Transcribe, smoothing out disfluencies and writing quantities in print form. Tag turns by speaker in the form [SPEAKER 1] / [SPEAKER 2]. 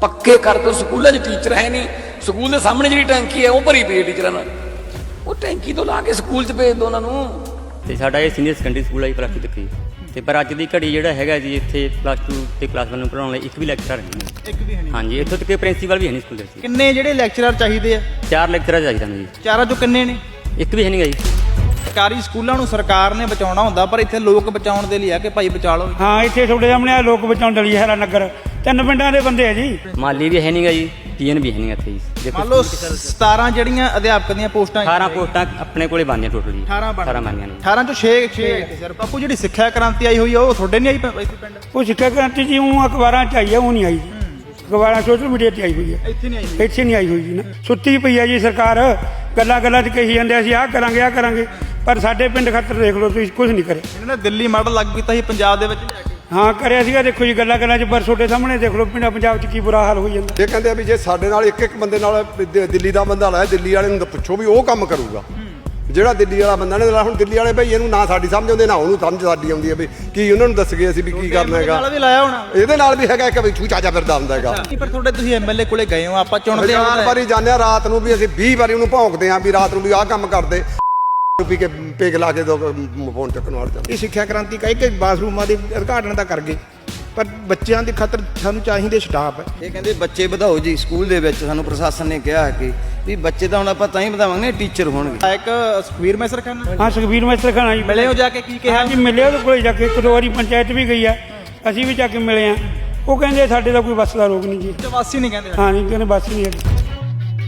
[SPEAKER 1] ਪੱਕੇ ਕਰ ਦਿਓ। ਸਕੂਲਾਂ 'ਚ ਟੀਚਰ ਹੈ ਨਹੀਂ, ਸਕੂਲ ਦੇ ਸਾਹਮਣੇ ਜਿਹੜੀ ਟੈਂਕੀ ਹੈ ਉਹ ਭਰੀ ਪਈ ਹੈ ਟੀਚਰਾਂ ਨਾਲ, ਉਹ ਟੈਂਕੀ ਤੋਂ ਲਾ ਕੇ ਸਕੂਲ 'ਚ ਭੇਜ ਦਿਓ ਉਹਨਾਂ ਨੂੰ।
[SPEAKER 2] ਤੇ ਸਾਡਾ ਇਹ ਸੀਨੀਅਰ ਸੈਕੰਡਰੀ ਸਕੂਲ ਹੈ ਜੀ, +2 ਤੱਕ ਜੀ। ਤੇ ਪਰ ਅੱਜ ਦੀ ਘੜੀ ਜਿਹੜਾ ਹੈਗਾ ਜੀ ਇੱਥੇ +2 ਤੇ +1 ਨੂੰ ਪੜ੍ਹਾਉਣ ਲਈ ਇੱਕ ਵੀ ਲੈਕਚਰਰ ਨਹੀਂ।
[SPEAKER 3] ਇੱਕ ਵੀ ਹੈ ਨਹੀਂ।
[SPEAKER 2] ਹਾਂਜੀ, ਇੱਥੋਂ ਤੱਕ ਪ੍ਰਿੰਸੀਪਲ ਵੀ ਹੈ ਨਹੀਂ ਸਕੂਲ ਦੇ ਵਿੱਚ।
[SPEAKER 3] ਕਿੰਨੇ ਜਿਹੜੇ ਲੈਕਚਰਰ ਚਾਹੀਦੇ ਆ?
[SPEAKER 2] 4 ਲੈਕਚਰਰ ਚਾਹੀਦਾ ਨੇ ਜੀ।
[SPEAKER 3] ਚਾਰਾਂ ਚੋਂ ਕਿੰਨੇ ਨੇ?
[SPEAKER 2] ਇੱਕ ਵੀ ਹੈ ਨਹੀਂ ਜੀ।
[SPEAKER 3] ਸਰਕਾਰੀ ਸਕੂਲਾਂ ਨੂੰ ਸਰਕਾਰ ਨੇ ਬਚਾਉਣਾ ਹੁੰਦਾ, ਪਰ ਇੱਥੇ ਲੋਕ ਬਚਾਉਣ ਦੇ ਲਈ ਆ ਕਿ ਭਾਈ ਬਚਾ ਲਓ।
[SPEAKER 4] ਹਾਂ, ਇੱਥੇ ਤੁਹਾਡੇ ਸਾਹਮਣੇ ਆ ਲੋਕ ਬਚਾਉਣ ਦੇ ਲਈ ਹੈਰਾ ਨਗਰ 3 ਪਿੰਡਾਂ ਦੇ ਬੰਦੇ ਆ ਜੀ।
[SPEAKER 2] ਮਾਲੀ ਵੀ ਹੈ ਨਹੀਂਗਾ ਜੀ, ਪੀਐਨ ਵੀ ਹੈ ਨਹੀਂ ਇੱਥੇ ਜੀ।
[SPEAKER 3] ਮੰਨ ਲਓ 17 ਜਿਹੜੀਆਂ ਅਧਿਆਪਕ ਦੀਆਂ ਪੋਸਟਾਂ
[SPEAKER 2] 18 ਪੋਸਟਾਂ ਆਪਣੇ ਕੋਲੇ ਬਣਦੀਆਂ ਟੋਟਲ ਜੀ।
[SPEAKER 3] 18
[SPEAKER 2] ਬਣਦੀਆਂ ਨੇ।
[SPEAKER 3] 18 ਚੋਂ 6 ਸਰ ਬਾਪੂ ਜਿਹੜੀ ਸਿੱਖਿਆ ਕ੍ਰਾਂਤੀ ਆਈ ਹੋਈ ਆ ਉਹ ਤੁਹਾਡੇ ਨਹੀਂ ਆਈ ਇੱਥੇ ਪਿੰਡ?
[SPEAKER 4] ਉਹ ਸਿੱਖਿਆ ਕ੍ਰਾਂਤੀ ਜੀ ਉਹ ਅਖਬਾਰਾਂ 'ਚ ਆਈ ਆ, ਉਹ ਨਹੀਂ ਆਈ ਜੀ। ਅਖਬਾਰਾਂ ਸੋਸ਼ਲ ਮੀਡੀਆ 'ਤੇ ਆਈ ਹੋਈ ਹੈ,
[SPEAKER 3] ਇੱਥੇ ਨਹੀਂ ਆਈ।
[SPEAKER 4] ਇੱਥੇ ਨਹੀਂ ਆਈ ਹੋਈ ਜੀ ਨਾ। ਸੁੱਤੀ ਪਈ ਆ ਜੀ ਸਰਕਾਰ, ਗੱਲਾਂ 'ਚ ਕਹੀ ਜਾਂਦੇ ਅਸੀਂ ਆਹ ਕਰਾਂਗੇ, ਪਰ ਸਾਡੇ ਪਿੰਡ ਖਾਤਰ ਦੇਖ ਲਓ ਤੁਸੀਂ, ਕੁਝ ਨਹੀਂ ਕਰੇ।
[SPEAKER 3] ਇਹਨਾਂ ਨੇ ਦਿੱਲੀ ਮਾਡਲ ਲਾਗੂ ਕੀਤਾ ਸੀ ਪੰਜਾਬ ਦੇ ਵਿੱਚ ਲਿਆ ਕੇ।
[SPEAKER 4] ਹਾਂ ਕਰਿਆ ਸੀਗਾ, ਦੇਖੋ ਜੀ ਗੱਲਾਂ 'ਚ, ਪਰ ਤੁਹਾਡੇ ਸਾਹਮਣੇ ਦੇਖ ਲਓ ਪੰਜਾਬ 'ਚ ਕੀ ਬੁਰਾ ਹਾਲ ਹੋਈ ਜਾਂਦਾ।
[SPEAKER 5] ਇਹ ਕਹਿੰਦੇ ਆ ਵੀ ਜੇ ਸਾਡੇ ਨਾਲ ਇੱਕ ਬੰਦੇ ਨਾਲ ਦਿੱਲੀ ਦਾ ਬੰਦਾ ਲਾਇਆ, ਦਿੱਲੀ ਵਾਲੇ ਨੂੰ ਤਾਂ ਪੁੱਛੋ ਵੀ ਉਹ ਕੰਮ ਕਰੂਗਾ ਜਿਹੜਾ ਦਿੱਲੀ ਵਾਲਾ ਬੰਦਾ ਨੇ। ਹੁਣ ਦਿੱਲੀ ਵਾਲੇ ਭਾਈ ਇਹਨੂੰ ਨਾ ਸਾਡੀ ਸਮਝ ਆਉਂਦੀ, ਨਾ ਉਹਨੂੰ ਸਮਝ ਸਾਡੀ ਆਉਂਦੀ ਹੈ ਵੀ ਕੀ ਉਹਨਾਂ ਨੂੰ ਦੱਸ ਗਏ ਅਸੀਂ ਵੀ ਕੀ ਕਰਨਾ ਹੈਗਾ।
[SPEAKER 3] ਨਾਲ ਵੀ ਲਾਇਆ ਹੋਣਾ,
[SPEAKER 5] ਇਹਦੇ ਨਾਲ ਵੀ ਹੈਗਾ ਇੱਕ ਵੀ ਛੂ ਚਾਚਾ ਫਿਰਦਾ ਹੁੰਦਾ ਹੈਗਾ।
[SPEAKER 3] ਪਰ ਤੁਹਾਡੇ ਤੁਸੀਂ ਐਮਐਲਏ ਕੋਲੇ ਗਏ ਹੋ, ਆਪਾਂ ਚੁਣਦੇ ਹਾਂ।
[SPEAKER 5] 4 ਵਾਰੀ ਜਾਂਦੇ ਆ ਰਾਤ ਨੂੰ ਵੀ, ਅਸੀਂ 20 ਵਾਰੀ ਉਹਨੂੰ ਭੌਂਕਦੇ ਆ ਵੀ ਰਾਤ ਨੂੰ ਵੀ ਆਹ ਕੰਮ ਕਰਦੇ, ਪੀ ਕੇ ਪੇਗ ਲਾ ਕੇ ਫੋਨ ਚੱਕਣ ਵਾਲੇ ਜਾਂਦੇ।
[SPEAKER 6] ਇਹ ਸਿੱਖਿਆ ਕ੍ਰਾਂਤੀ ਕਹੇ ਕਿ ਬਾਥਰੂਮਾਂ ਦੇ ਉਦਘਾਟਨ ਤਾਂ ਕਰ ਗਏ, ਪਰ ਬੱਚਿਆਂ ਦੀ ਖਾਤਰ ਸਾਨੂੰ ਚਾਹੀਦੇ ਸਟਾਫ ਹੈ।
[SPEAKER 7] ਇਹ ਕਹਿੰਦੇ ਬੱਚੇ ਵਧਾਓ ਜੀ ਸਕੂਲ ਦੇ ਵਿੱਚ। ਸਾਨੂੰ ਪ੍ਰਸ਼ਾਸਨ ਨੇ ਕਿਹਾ ਕਿ ਵੀ ਬੱਚੇ ਤਾਂ ਹੁਣ ਆਪਾਂ ਤਾਂ ਹੀ ਵਧਾਵਾਂਗੇ ਟੀਚਰ ਹੋਣਗੇ।
[SPEAKER 3] ਇੱਕ ਸੁਖਬੀਰ ਮੈਸਰ ਖਾਨ
[SPEAKER 4] ਹਾਂ, ਸੁਖਬੀਰ ਮੈਸਟਰ ਖਾਨਾ ਜੀ
[SPEAKER 3] ਮਿਲੇ ਹੋ ਜਾ ਕੇ, ਕੀ ਕਿਹਾ?
[SPEAKER 4] ਹਾਂ ਜੀ, ਮਿਲੇ ਉਹਦੇ ਕੋਲੇ ਜਾ ਕੇ 1-2 ਵਾਰੀ ਪੰਚਾਇਤ ਵੀ ਗਈ ਆ, ਅਸੀਂ ਵੀ ਜਾ ਕੇ ਮਿਲੇ ਆ। ਉਹ ਕਹਿੰਦੇ ਸਾਡੇ ਦਾ ਕੋਈ ਬੱਸ ਦਾ ਰੋਗ ਨਹੀਂ ਜੀ।
[SPEAKER 3] ਵਾਸੀ ਨਹੀਂ ਕਹਿੰਦੇ?
[SPEAKER 4] ਹਾਂ ਜੀ, ਕਹਿੰਦੇ ਬੱਸ ਨਹੀਂ ਹੈਗੀ।